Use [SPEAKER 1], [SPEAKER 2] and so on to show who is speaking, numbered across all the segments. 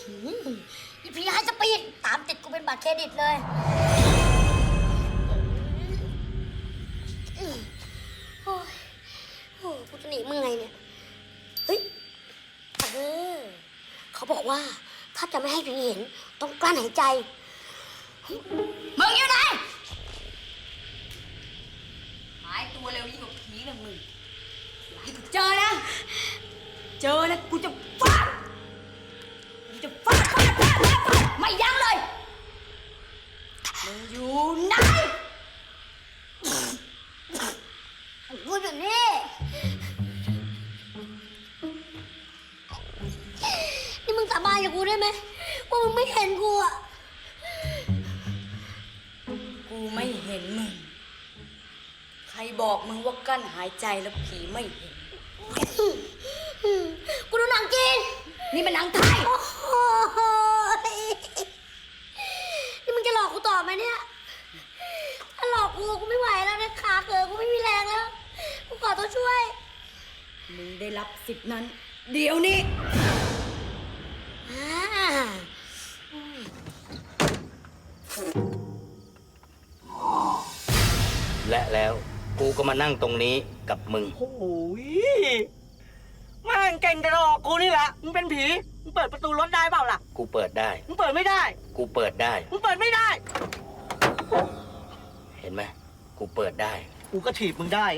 [SPEAKER 1] อีผีให้สปีดตามติดกูเป็นบัตรเครดิตเลยโอ้ยโอ้กูจะหนีมึงไงเนี่ยเฮ้ยเขาบอกว่าถ้าจะไม่ให้ผีเห็นต้องกลั้นหายใจมึงอยู่ไหนหายตัวเร็วยิ่งกว่าผีนะมึงอย่าให้กูเจอนะกูจะฟาดไม่ยั้งเลยมึงอยู่ไหนกูอยู่นี่นี่มึงสาบานกับกูได้ไหมว่ามึงไม่เห็นกูอ่ะ
[SPEAKER 2] กูไม่เห็นมึงใครบอกมึงว่ากั้นหายใจแล้วผีไม่เห็น
[SPEAKER 1] กูดูหนังจีน
[SPEAKER 2] นี่มันหนังไทย
[SPEAKER 1] นี่มึงจะหลอกกูต่อไหมเนี่ยถ้าหลอกกูไม่ไหวแล้วนะขาเกิดกูไม่มีแรงแล้วกูขอตัวช่วย
[SPEAKER 2] มึงได้รับสิทธินั้นเดี๋ยวนี้
[SPEAKER 3] และแล้วกูก็มานั่งตรงนี้กับมึง
[SPEAKER 4] โอ้ยแม่งเก่งกระดอกกูนี่แหละมึงเป็นผีมึงเปิดประตูรถได้เปล่าล่ะ
[SPEAKER 3] กูเปิดได้
[SPEAKER 4] มึงเปิดไม่ได้
[SPEAKER 3] กูเปิดได้
[SPEAKER 4] มึงเปิดไม่ได้
[SPEAKER 3] เห็นไหมกูเปิดได้
[SPEAKER 4] กูก็ถีบมึงได้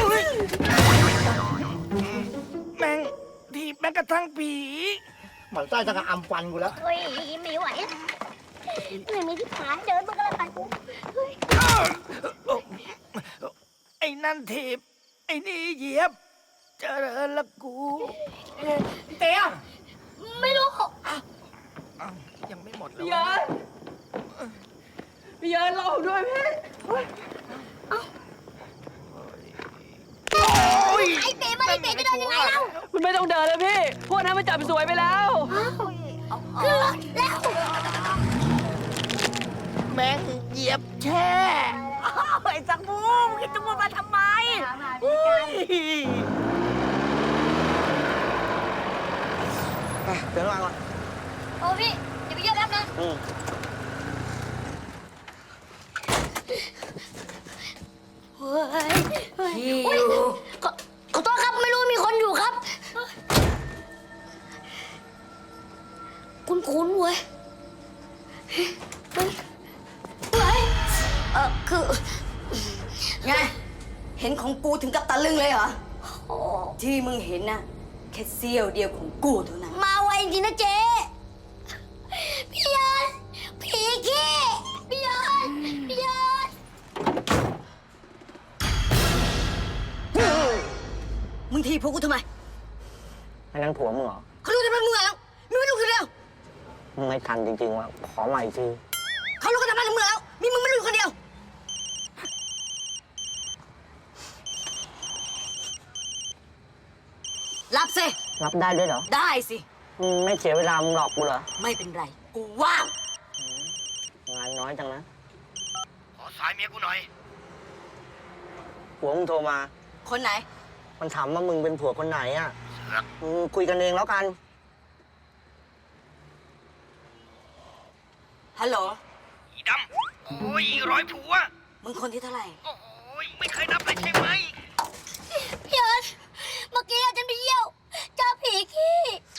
[SPEAKER 4] แม่งถีบแม้กระทั่งผีหมันใต้จะกระอำฟันกูแล้ว
[SPEAKER 1] เฮ้ยไม่ไหวไม่มีที่ขาเดินมันก็เลยไปกู
[SPEAKER 4] ไอ้นั่นถีบไอ้นี่เหยียบเจริญละกูเตี้ย
[SPEAKER 1] ไม่รู้
[SPEAKER 4] ยังไม่หมดเลย
[SPEAKER 5] พี่เยินรอผมด้วยพี่
[SPEAKER 1] ไอ้เป๋มาไอ้เป๋จะเดินยังไงเล่า
[SPEAKER 5] มันไม่ต้องเดินแล้วพี่พวกนั้นมันจับสวยไปแล้ว
[SPEAKER 1] ขึ้นรถแล้ว
[SPEAKER 4] แม่งเหยียบแช่ไอ้สังบูมคิดจะมาทำไมเดี๋ยวระวังก่อน
[SPEAKER 1] โอ้พี่อย่าไปเยอะครับนะเฮ้ยขอโทษครับไม่รู้มีคนอยู่ครับคุ้นเว้ยคือ
[SPEAKER 2] ไงเห็นของกูถึงกับตะลึงเลยเหรอที่มึงเห็นน่ะแค่เสี้ยวเดียวของกูเท่านั้น
[SPEAKER 1] มาไวจริงนะเจ๊พี่ยันผีขี้พี่ยัน
[SPEAKER 2] มึงทีพวกกูทำไม
[SPEAKER 4] อันนั้นผัวมึงเหรอ
[SPEAKER 2] เขารู้จะเป็นมึงแล้วมึงไม่รู้คือเดียว
[SPEAKER 4] มึงไม่ทันจริงๆว่ะขอใหม่สิ
[SPEAKER 2] เขารู้กันทำไมถึงมึงแล้วมีมึงไม่รู้คนเดียวรับสิ
[SPEAKER 4] รับได้ด้วยเหรอ
[SPEAKER 2] ได้สิ
[SPEAKER 4] ไม่เสียเวลามึงหลอกกูเหรอ
[SPEAKER 2] ไม่เป็นไรกูว่าง
[SPEAKER 4] งานน้อยจังนะ
[SPEAKER 3] ขอสายเมียกูหน่อย
[SPEAKER 4] ผัวมึงโทรมา
[SPEAKER 2] คนไหน
[SPEAKER 4] มันถามว่ามึงเป็นผัวคนไหนอ่ะคุยกันเองแล้วกัน
[SPEAKER 2] ฮัลโหล
[SPEAKER 3] อีดำโอ้ย100 ผัว
[SPEAKER 2] มึงคนที่เท่าไหร่
[SPEAKER 3] โอ้ยไม่เคยนับเลยใช่ไหม
[SPEAKER 1] พี่ยันเมื่อกี้ฉันไปเยี่ยวเจอผีขี้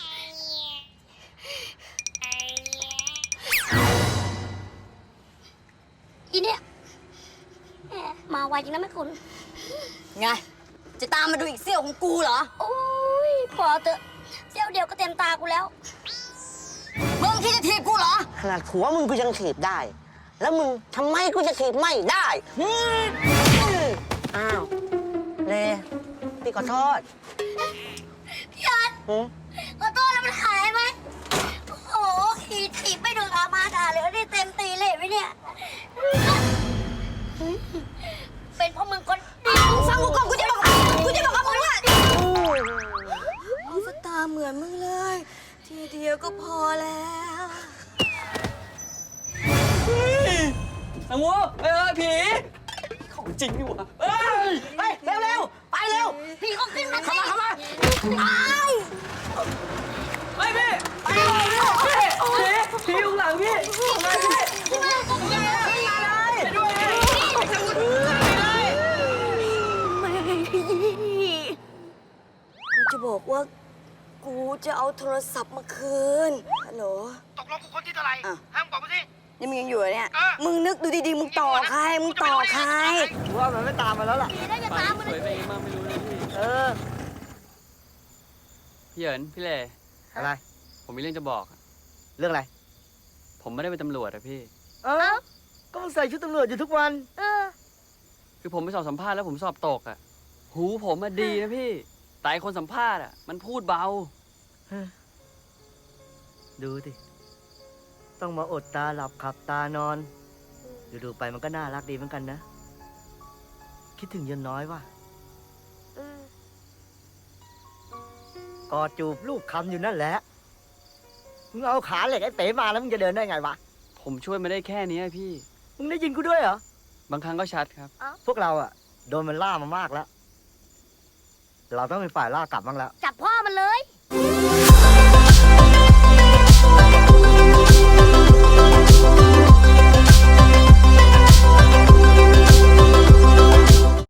[SPEAKER 1] อีเนี่ยมาไวจริงนะแม่คุณ
[SPEAKER 2] ไงจะตามมาดูอีกเสี้ยวของกูเหรอ
[SPEAKER 1] โอ้ยพอเถอะเสี้ยวเดียวก็เต็มตากูแล้ว
[SPEAKER 2] มึงคิดจะถีบกูเหรอ
[SPEAKER 4] ขนาดผัวมึงกูยังถีบได้แล้วมึงทำไมกูจะถีบไม่ได้อ้าวเลพี่ขอโทษ
[SPEAKER 1] พี่ยันขอโทษแล้วมันหายไหมโอ้โหขี่ถีบไม่ดูอามาด่าเลยได้เต็มตีเลยไหมเนี่ยเป็นเพราะมึงคนเดียว
[SPEAKER 2] ฟังกูก่อนกูจะบอกกับมึงว่าสตาเหมือนมึงเลยทีเดียวก็พอแล้ว
[SPEAKER 5] สังวูผีของจริงดีวะ
[SPEAKER 4] ไปเร็วไปเร็ว
[SPEAKER 1] พี่เขาขึ้นมา
[SPEAKER 4] เข้ามา
[SPEAKER 5] ไปพี่ไปเร็ว
[SPEAKER 2] บอกว่า กูจะเอาโทรศัพท์มาคืน ฮัลโหล
[SPEAKER 4] ตกลงกูคนที่เท่าไหร่
[SPEAKER 2] อ่ะ
[SPEAKER 4] ห้ามบอกมาสิ
[SPEAKER 2] นี่มึงยังอยู่เหรอเนี่ย
[SPEAKER 4] เออ
[SPEAKER 2] มึงนึกดูดีๆ มึงต่อใคร มึงต่อใคร
[SPEAKER 4] กูว่ามันไม่ตามมาแล้วล่ะ
[SPEAKER 1] ผีได้จะ
[SPEAKER 5] ปา
[SPEAKER 1] ตาม
[SPEAKER 5] ก
[SPEAKER 1] มัน
[SPEAKER 5] สวยไปเองมากไม่รู้เลยพี่
[SPEAKER 4] เออ
[SPEAKER 5] พี่เหยินพี่เล่
[SPEAKER 4] อะไร
[SPEAKER 5] ผมมีเรื่องจะบอกอะ
[SPEAKER 4] เรื่องอะไร
[SPEAKER 5] ผมไม่ได้เป็นตำรวจอะพี่
[SPEAKER 4] เอ้าก็มึงใส่ชุดตำรวจอยู่ทุกวัน
[SPEAKER 5] คือผมไปสอบสัมภาษณ์แล้วผมสอบตกอะหูผมอะดีนะพี่ แต่ไอ้คนสัมภาษณ์อะมันพูดเบา
[SPEAKER 4] ดูสิ ต้องมาอดตาหลับขับตานอน ดูๆไปมันก็น่ารักดีเหมือนกันนะ คิดถึงยนน้อยว่ะกอดจูบลูกคำอยู่นั่นแหละ มึงเอาขาเหล็กไอ้เป๋มาแล้วมึงจะเดินได้ไงวะ
[SPEAKER 5] ผมช่วยมาได้แค่นี้อะพี่
[SPEAKER 4] มึงได้ยินกูด้วยเหรอ
[SPEAKER 5] บางครั้งก็ชัดครับ
[SPEAKER 4] พวกเราอะโดนมันล่ามามากแล้ว เราต้องเป็นฝ่ายล่ากลับบ้างแล้ว
[SPEAKER 1] จับพ่อมันเลย